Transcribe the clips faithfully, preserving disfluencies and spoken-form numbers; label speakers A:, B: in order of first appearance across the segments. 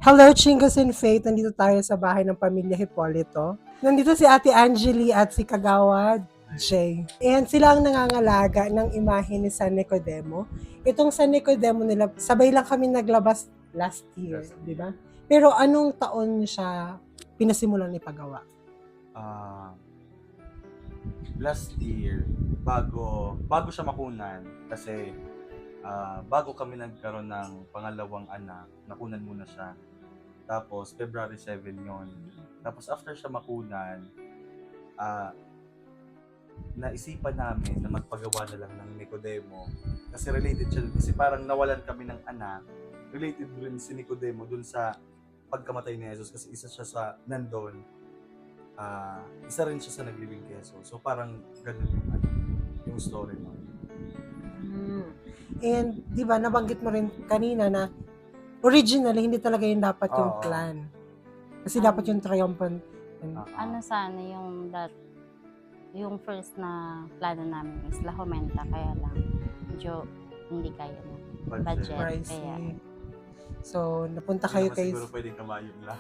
A: Hello, Chingas and Faith. Nandito tayo sa bahay ng pamilya Hipolito. Nandito si Ate Angeli at si Kagawad Jay. And sila ang nangangalaga ng imahe ni San Nicodemo. Itong San Nicodemo nila, sabay lang kami naglabas last year, di ba? Pero anong taon siya pinasimulan ipagawa?
B: Ah, last year, bago bago siya makunan, kasi ah, bago kami nagkaroon ng pangalawang anak, nakunan muna siya. Tapos February seven yon. Tapos after siya makunan, ah, naisipan namin na magpagawa na lang ng Nicodemo. Kasi related siya dun. Kasi parang nawalan kami ng anak. Related rin si Nicodemo dun sa pagkamatay ni Jesus, kasi isa siya sa nandun. Ah, isa rin siya sa naglibing kay Jesus. So parang ganun yung, ano, yung story mo.
A: Hmm. And di ba nabanggit mo rin kanina na originally hindi talaga yun dapat yung
B: Oo.
A: plan. Kasi
C: Um,
A: dapat yung triumphant.
B: Ah,
C: Ano sana yung that yung first na plano namin is La Jumenta, kaya lang medyo hindi kaya na budget.
A: Pricey.
C: Kaya
A: So, napunta
B: Hindi
A: kayo
B: naman
A: kay...
B: siguro pwedeng kamayon lang.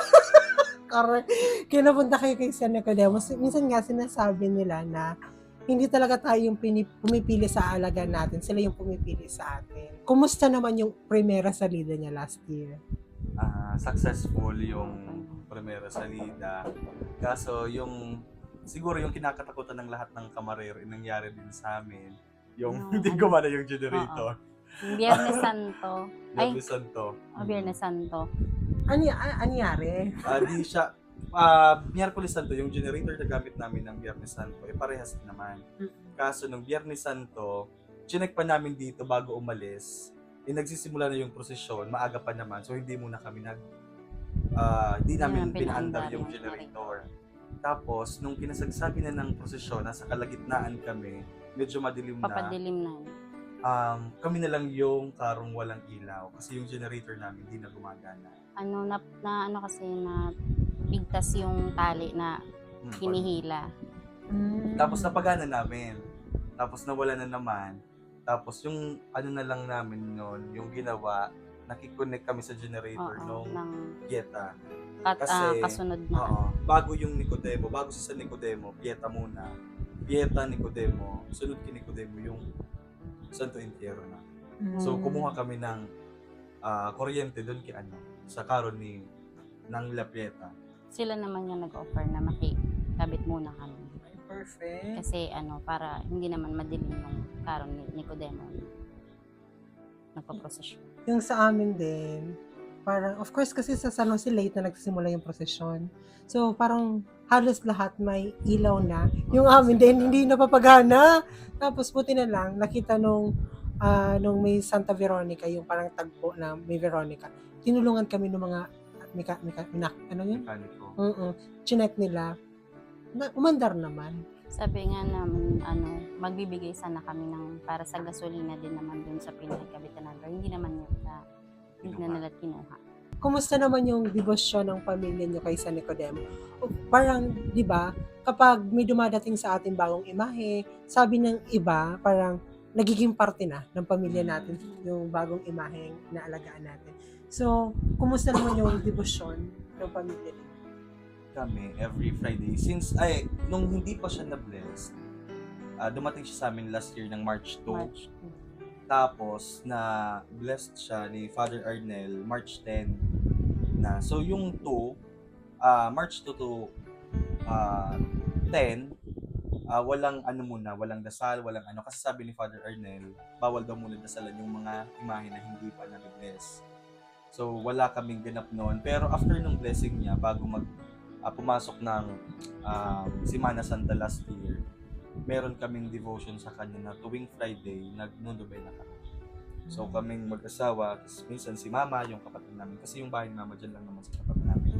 A: Correct. Kaya napunta kayo kay San Nicodemo. Minsan nga sinasabi nila na hindi talaga tayo yung pinip- pumipili sa alaga natin. Sila yung pumipili sa atin. Kumusta naman yung primera salida niya last year?
B: Ah, successful yung primera salida. Kaso yung siguro yung kinakatakutan ng lahat ng kamarero, yung nangyari din sa amin. Yung
C: Yung
B: hindi
C: ano,
B: gumana yung generator.
C: yung Biyernes Santo. Ay,
B: Biyernes Santo.
C: oh, Biyernes Santo.
A: Ano y- a- anyari?
B: Ah, di siya ah Miyerkules Santo, yung generator na gamit namin ng Biyernes Santo, eh parehas din naman. Kaso nung Biyernes Santo, chinek pa namin dito bago umalis. Eh, nagsisimula na yung prosesyon, maaga pa naman, so hindi muna kami nag ah hindi namin
C: namin
B: pinaandar
C: pinaandar
B: yung
C: yung
B: generator. Tapos nung kinasagsabi na ng prosesyon, nasa kalagitnaan kami, medyo madilim na.
C: Papadilim na.
B: Um, kami na lang yung karong walang ilaw kasi yung generator namin hindi na gumagana.
C: Ano na, na ano kasi na bigtas yung tali na
B: Hmm,
C: hinihila.
B: Tapos napagana namin. Tapos nawala na naman. Tapos yung ano na lang namin noon, yung ginawa, nakikonnect kami sa generator
C: Oo,
B: nung
C: ng
B: Pieta.
C: kat,
B: Kasi,
C: ah, kasunod na.
B: Oo, bago yung Nicodemo, bago sa Nicodemo, Pieta muna. Pieta, Nicodemo, sunod kay Nicodemo yung Santo Entierro na. So kumuha kami ng ah, kuryente doon kay ano, sa karon ni ng La Pieta.
C: Sila naman yung nag-offer na makikabit muna kami.
A: Perfect.
C: Kasi ano, para hindi naman madilim yung karon ni Nicodemo nagpa-prosesyon.
A: Yung sa amin din, parang, of course, kasi sa San Jose late na nagsimula yung prosesyon. So, parang halos lahat may ilaw na. Yung amin din, hindi napapagana. Tapos, buti na lang, nakita nung, ah, nung may Santa Veronica, yung parang tagpo na may Veronica. Tinulungan kami ng mga, mika, mika, minak, ano yun?
B: Mekaniko.
A: Mm Chinek nila. Na, umandar naman.
C: Sabi nga namin, ano, magbibigay sana kami ng para sa gasolina din naman dun sa pinagkabitan namin. Pero hindi naman nila, hindi na
B: Kinuha.
C: nila kinuha.
A: Kumusta naman yung debosyon ng pamilya nyo kay San Nicodemo? O, parang, di ba, kapag may dumadating sa ating bagong imahe, sabi ng iba, parang nagiging parte na ng pamilya natin yung bagong imahe na alagaan natin. So, kumusta naman yung debosyon ng pamilya nyo?
B: Kami every Friday since ay nung hindi pa siya na-bless, ah, dumating siya sa amin last year ng March two.
C: March.
B: Tapos na blessed siya ni Father Arnel March ten na. So yung two, ah, March two to ah, ten, ah, walang ano muna, walang dasal, walang ano, kasi sabi ni Father Arnel, bawal daw muna dasalan yung mga imahe na hindi pa na-bless. So wala kaming ganap noon, pero after nung blessing niya, bago mag ah, pumasok ng ah, Semana Santa last year, meron kaming devotion sa kanya na tuwing Friday, nag-nonobena kami. So kaming mag-asawa, tapos minsan si mama, yung kapatid namin, kasi yung bahay ni mama dyan lang naman sa tapat namin.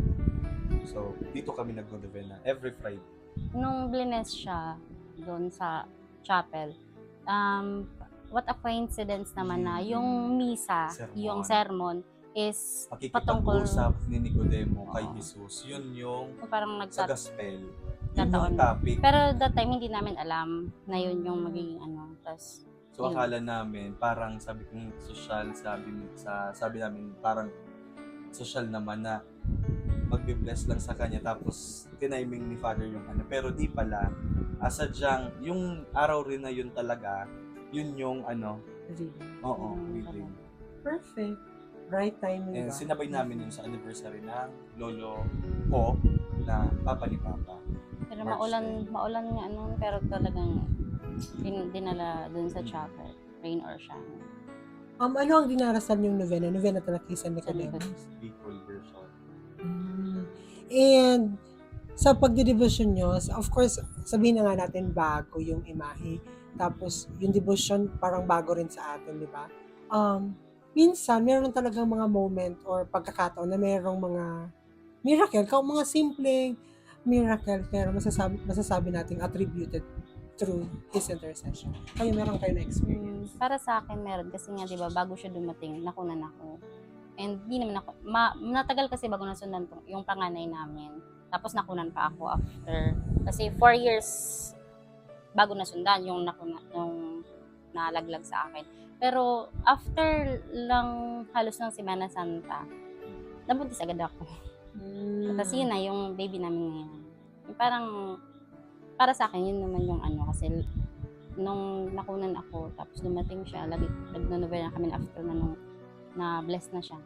B: So dito kami nag-nonobena every Friday.
C: Nung blines siya doon sa chapel, um, what a coincidence naman na yung misa,
B: Sermon.
C: yung sermon, is patungkol,
B: Pakikipag-usap ni Nicodemo kay
C: Oo.
B: Jesus. Yun yung
C: parang
B: sa
C: nagtat
B: gospel. Yun
C: Tataon.
B: yung topic.
C: Pero that time hindi namin alam na yun yung magiging ano. Tas,
B: So
C: yun.
B: akala namin parang sabi kong social, sabi sa sabi namin parang social naman na magbe-bless lang sa kanya tapos tiniming ni Father yung ano. Pero di pala, uh, sadyang yung araw rin na yun talaga, yun yung ano,
A: Really.
B: oo,
C: Mm,
B: reading.
A: Perfect. Right timing
B: And
A: ba?
B: sinabay namin yun sa anniversary ng lolo ko na papa ni Papa.
C: Pero
B: March
C: maulan,
B: ten.
C: maulan nga ano, pero talagang din, dinala dun sa chapel, rain or shine.
A: Um, ano ang dinarasan yung novena? Novena talaga kay San
C: Sa likod.
A: Nicodemus.
B: Bicol version.
A: Mm. And sa pagdedebosyon nyo, of course, sabihin na nga natin bago yung imahe. Tapos, yung devotion parang bago rin sa atin, di ba? Um, minsan, meron talagang mga moment or pagkakataon na merong mga miracle, ka mga simpleng miracle, pero masasabi, masasabi nating attributed through His intercession. Kayo, meron kayo na
C: Mm,
A: experience?
C: para sa akin meron kasi nga 'di ba bago siya dumating nakunan ako. And di naman ako ma, natagal kasi bago nasundan tong yung panganay namin. Tapos nakunan pa ako after kasi four years bago nasundan yung nakuna yung nalaglag sa akin. Pero after lang halos ng Semana Santa, nabuntis agad ako.
A: Mm.
C: Kasi yun na yung baby namin ngayon. Yung parang para sa akin yun naman yung ano kasi nung nakunan ako tapos dumating siya lagi nagno-novena kami after na nung na bless na siya.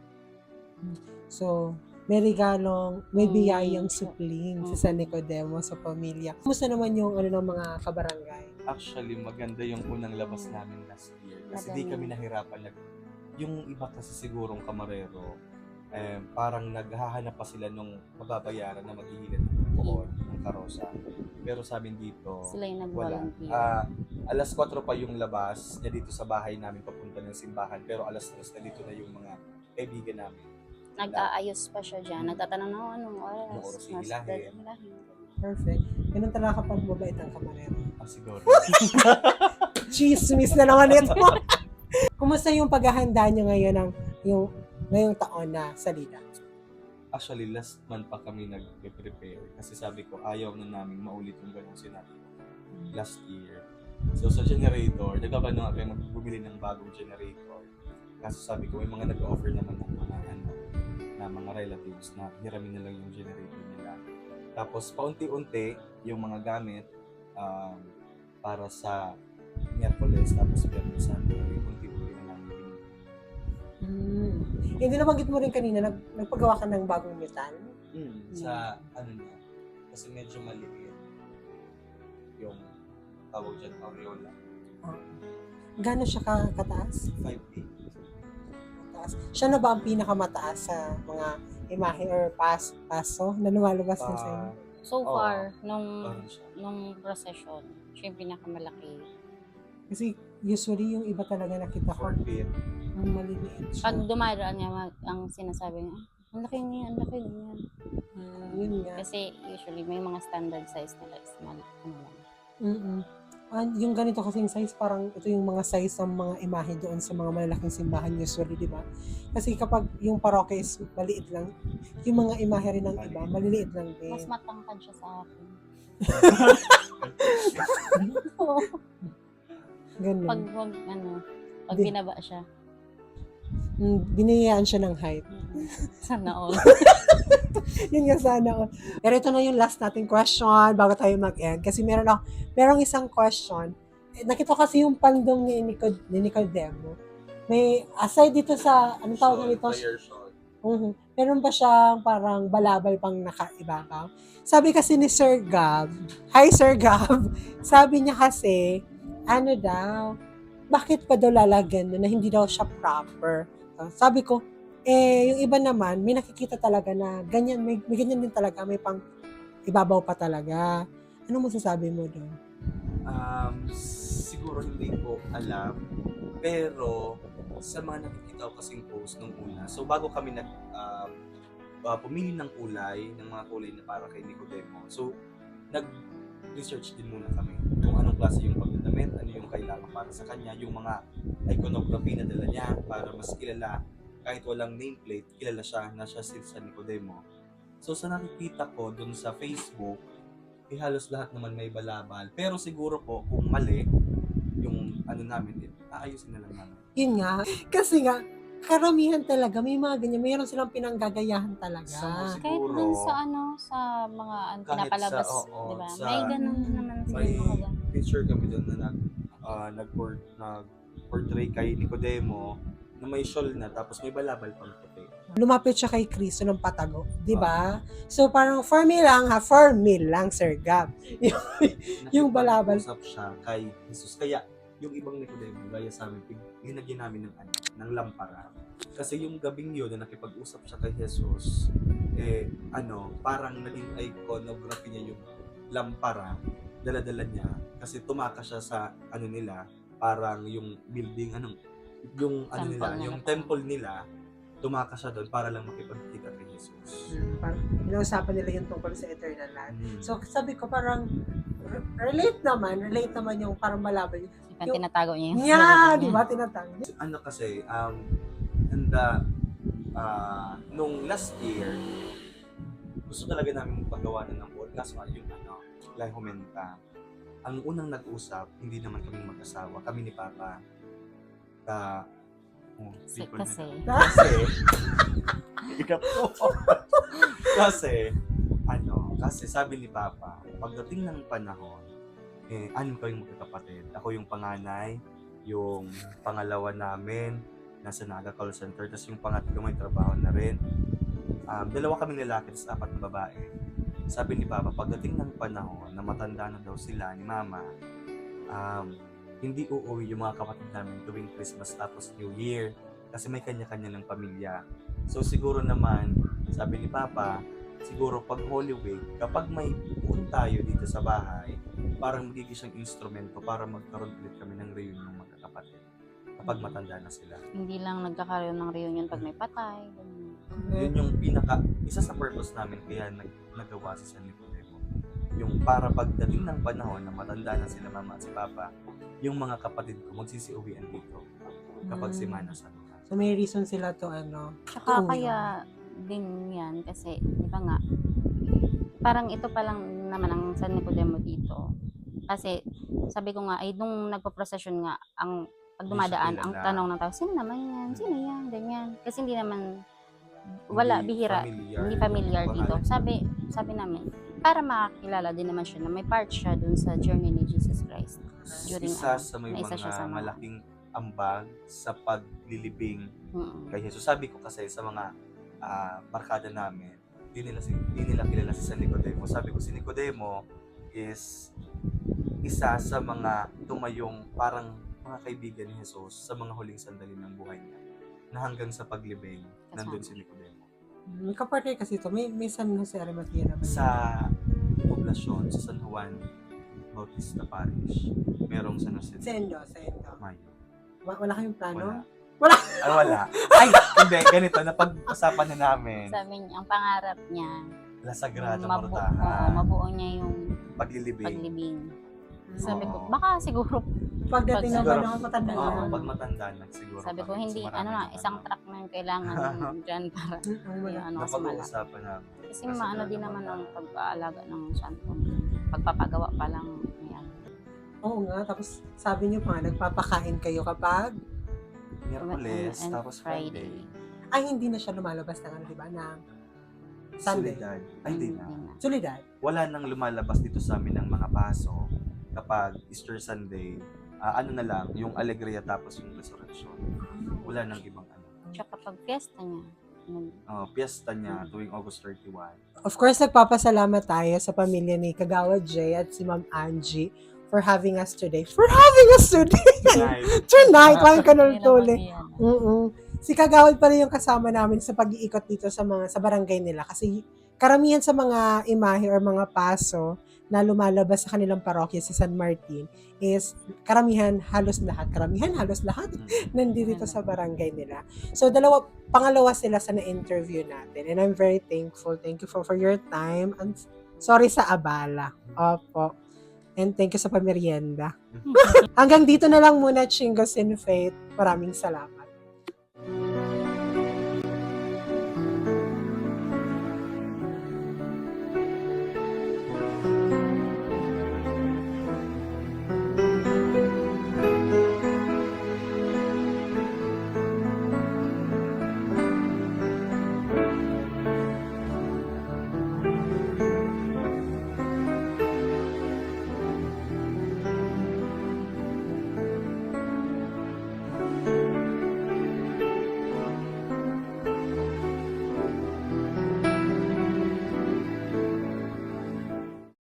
A: So, may regalong, may
C: Mm.
A: biyayang supling
C: Mm.
A: sa San Nicodemus sa pamilya. Kumusta naman yung ano ng mga kabarangay?
B: Actually, maganda yung unang labas namin last year. Kasi di
C: Madami.
B: kami nahirapan. Nag, yung iba kasi sigurong kamarero, eh, parang naghahanap pa sila nung mababayaran na maghihilid ng poon ng karosa. Pero sa amin dito,
C: Sila yung
B: wala.
C: nag-volunteer.
B: Ah, alas kwatro pa yung labas niya dito sa bahay namin papunta ng simbahan. Pero alas tres na dito na yung mga kaibigan namin.
C: Nag-aayos pa siya dyan. Nagtatanong na anong oras.
B: Anong oras
C: Mas-
B: hihilahin?
C: hilahin.
A: Perfect. Ganun talaga kapag mabait ang kamarero.
B: Ah, siguro.
A: Chismis na naman ito. Kumusta yung paghahanda nyo ngayon ng yung ngayong taon na salida?
B: Actually, last month pa kami nag-prepare. Kasi sabi ko, ayaw na namin maulit yung ganung sinabi ko last year. So sa generator, nagkakano nga kayo magbumili ng bagong generator. Kaso sabi ko, may mga nag-offer naman ng mga ano, na mga relatives na hiramin na lang yung generator nila. Tapos paunti-unti yung mga gamit um, para sa Miyerkules, tapos Biyernes, Sabado, unti-unti na lang binili.
A: Hmm. Hindi nabanggit mo rin kanina, nag, nagpagawa ka ng bagong metal?
B: Mm, sa ano niya, kasi medyo maliit yung tawag dyan, aureola.
A: Oh. Gano'n siya ka, kataas?
B: five feet.
A: Mataas. Siya na ba ang pinakamataas sa mga imahe or pas, paso na lumalabas din sa inyo?
C: So
B: Oo.
C: far, nung
B: Parang siya.
C: nung procession, siya yung pinakamalaki.
A: Kasi usually yung iba talaga nakita ko,
B: four feet.
A: ang maliliit siya.
C: Pag dumaraan niya, mag- ang sinasabi niya, "Ah, ang laki niya, ang laki niya.
A: Hmm, yun nga.
C: Kasi usually may mga standard size nila is mal, ano lang.
A: Mm-mm. Ah, yung ganito kasing size, parang ito yung mga size ng mga imahe doon sa mga malalaking simbahan usually, di ba? Kasi kapag yung parokya is maliit lang, yung mga imahe rin ng iba, maliliit lang din.
C: Mas matangkad siya sa akin.
A: Ganun.
C: pag wag, ano, pag
A: Di-
C: binaba siya.
A: Mm, biniyayaan siya ng height.
C: Sana all.
A: Yun nga sana. all. Pero ito na yung last nating question bago tayo mag-end. Kasi meron ako, merong isang question. Eh, nakita ko kasi yung pandong ni, Nicod, ni Nicodemo. May, aside dito sa, anong tawag
B: Shawl,
A: nito?
B: prayer shawl.
A: Mhm. Meron ba siyang parang balabal pang nakaibabaw? Sabi kasi ni Sir Gab, hi Sir Gab, sabi niya kasi, ano daw, bakit pa daw lalagyan na hindi daw siya proper? Uh, sabi ko, eh, yung iba naman, may nakikita talaga na ganyan, may, may ganyan din talaga, may pang ibabaw pa talaga. Ano masasabi mo doon?
B: Um, siguro hindi ko alam. Pero, sa mga nakikita ko kasing post nung una, so bago kami nag, um, uh, pumili ng kulay, ng mga kulay na para kay Nicodemo, so, nag-research din muna kami kung anong klase yung pagdadamit, ano yung kailangan para sa kanya, yung mga iconography na dala niya para mas kilala, kahit walang nameplate, kilala siya na siya si San Nicodemo. So, sa nakikita ko dun sa Facebook, eh, halos lahat naman may balabal. Pero siguro po, kung mali, yung ano namin, eh, aayusin na lang namin.
A: Yun nga, kasi nga, karamihan talaga, may mga ganyan, mayroon silang pinanggagayahan talaga.
B: Sa-
C: Kahit
B: Siguro.
C: dun sa ano, sa mga ano,
B: Kahit
C: pinapalabas,
B: sa- oo,
C: di ba?
B: sa-
C: May ganun naman sa
B: May
C: mga ganun.
B: picture kami doon na nag, ah, nag-port, nag-portray kay Nicodemo na may shawl na tapos may balabal pang puti.
A: Lumapit siya kay Kristo ng patago, di ba? So parang for me lang ha, for me lang, Sir Gab. Yung balabal.
B: Nakipag-usap siya kay Jesus. Kaya yung ibang Nicodemo, gaya sa amin, pig- ginagyan namin ng, ano, ng lampara. Kasi yung gabing yun na nakipag-usap siya kay Jesus, eh, ano, parang naging iconography niya yung lampara, dala-dala niya. Kasi tumaka siya sa, ano nila, parang yung building, anong, yung, ano
C: Temple
B: nila,
C: nila.
B: yung temple nila, tumaka siya doon para lang makipagkita kay Jesus.
A: Hmm, parang inausapan nila yung tungkol sa eternal life.
B: Mm.
A: So sabi ko parang re- relate naman, relate naman yung parang malabal.
C: Yung
A: Yung-
C: tinatago niya yung
A: Yeah,
C: sarili
A: di
C: niya.
A: ba? Tinatang.
B: Ano kasi, um, and the, ah, nung last year, gusto talaga namin paggawa na ng podcast, kaso nga yung ano, Lai Humenta. Ang unang nag-usap, hindi naman kami mag-asawa, kami ni Papa. Ka, oh,
C: Si-
B: people
C: kasi.
B: na- kasi, Ikaw po. kasi, ano, kasi sabi ni Papa, pagdating ng panahon, eh, anim kaming magkakapatid. Ako yung panganay, yung pangalawa namin, nasa Naga Call Center, tapos yung pangatlo may trabaho na rin. Um, dalawa kaming lalaki, tapos apat na babae. Sabi ni Papa, pagdating ng panahon na matanda na daw sila ni Mama, um, hindi uuwi yung mga kapatid namin tuwing Christmas tapos New Year kasi may kanya-kanya ng pamilya. So siguro naman, sabi ni Papa, siguro pag Holy Week, kapag may puun tayo dito sa bahay, parang magiging siyang instrumento para magkaroon ulit kami ng reunion ng magkakapatid kapag matanda na sila.
C: Hindi lang nagkakaroon ng reunion pag may patay. ganun.
B: Yun yung pinaka, isa sa purpose namin kaya nag, nagawa si San Nicodemo. Yung para pagdating ng panahon na matanda na sila Mama at si Papa, yung mga kapatid ko magsisiuwian dito kapag
A: Mm.
B: si Mana sa lupa.
A: So may reason sila to ano.
C: Tsaka
A: Oo,
C: kaya din yan kasi, di ba nga, parang ito pa lang naman ang San Nicodemo dito. Kasi sabi ko nga, ay nung nagpo-procession nga, ang pag
B: Hindi
C: dumadaan,
B: siya
C: ang
B: kilala.
C: tanong ng tao, sino naman yan? Sino yan? Ganyan. Kasi hindi naman, wala,
B: Hindi
C: bihira,
B: familiar
C: hindi
B: yung
C: familiar dito.
B: pangalan.
C: Sabi, sabi namin, para makakilala din naman siya na may part siya dun sa journey ni Jesus Christ. During,
B: Isa
C: ano,
B: sa may
C: na isa siya
B: mga
C: sa mga-
B: malaking ambag sa paglilibing
C: Mm-mm.
B: kay Jesus. Sabi ko kasi sa mga ah, barkada namin, di nila, si, di nila kilala si San Nicodemo. Sabi ko, si Nicodemo is isa sa mga tumayong parang mga kaibigan ni Jesus sa mga huling sandali ng buhay niya na hanggang sa paglibing, nandun si Nicodemo.
A: May kapartner kasi to. May, may San Jose Arimathea naman.
B: Sa poblasyon, sa San Juan Bautista Parish, merong San Jose
A: Sendo, Sendo.
B: Mayo.
A: Wa- Wala kayong plano?
B: Wala.
A: Wala.
B: Ay, wala. Ay, hindi. Ganito, napag-usapan na namin.
C: Sabi niya, ang pangarap niya,
B: La Sagrada
C: mabu- oo,
B: Mortaja.
C: mabuo niya yung
B: Paglilibing.
C: paglibing. Sabi ko,
B: Oo.
C: baka siguro,
A: Pagdating ng
B: Siguro-
A: panahon, matanda
B: Oo,
A: na.
B: pag matanda na siguro.
C: sabi ko,
B: kami,
C: hindi,
B: kasi
C: ano na,
B: marami
C: isang
B: ano,
C: track na yung kailangan dyan para
A: Mm, ang wala.
C: yung ano sa mala.
B: napag-uusapan namin.
C: Kasi
B: La
C: maano
B: Sagrada
C: din naman ang
B: Mortaja.
C: pag-aalaga ng santo. Pagpapagawa pa lang. Yan.
A: Oo nga, tapos sabi niyo pa, nagpapakain kayo kapag
B: Miyerkules,
C: And
B: tapos Friday.
A: ay hindi na siya lumalabas ng ano, di ba, ng Sunday.
B: Solidad. Ay, hindi na.
C: Hindi na.
A: solidad.
B: Wala nang lumalabas dito sa amin ng mga paso kapag Easter Sunday. Ah, ano na lang, yung Alegria tapos yung Resurrection. Wala nang ibang ano.
C: Tsaka pag fiesta niya, nag-
B: Oh, piyesta niya tuwing August thirty-first.
A: Of course, nagpapasalamat tayo sa pamilya ni Kagawa Jay at si Ma'am Angie for having us today. For having us today!
B: Night.
A: Tonight, lang ka
C: Hindi naman
A: tuli.
C: yan.
A: Mm Si Kagawad pala yung kasama namin sa pag-iikot dito sa mga sa barangay nila kasi karamihan sa mga imahe or mga paso na lumalabas sa kanilang parokya sa San Martin is karamihan halos lahat, karamihan halos lahat
B: Mm.
A: nandito sa barangay nila. So dalawa pangalawa sila sa na-interview natin and I'm very thankful. Thank you for for your time and sorry sa abala. Opo. And thank you sa pamerienda. Hanggang dito na lang muna, Chingos in Faith. Maraming salamat.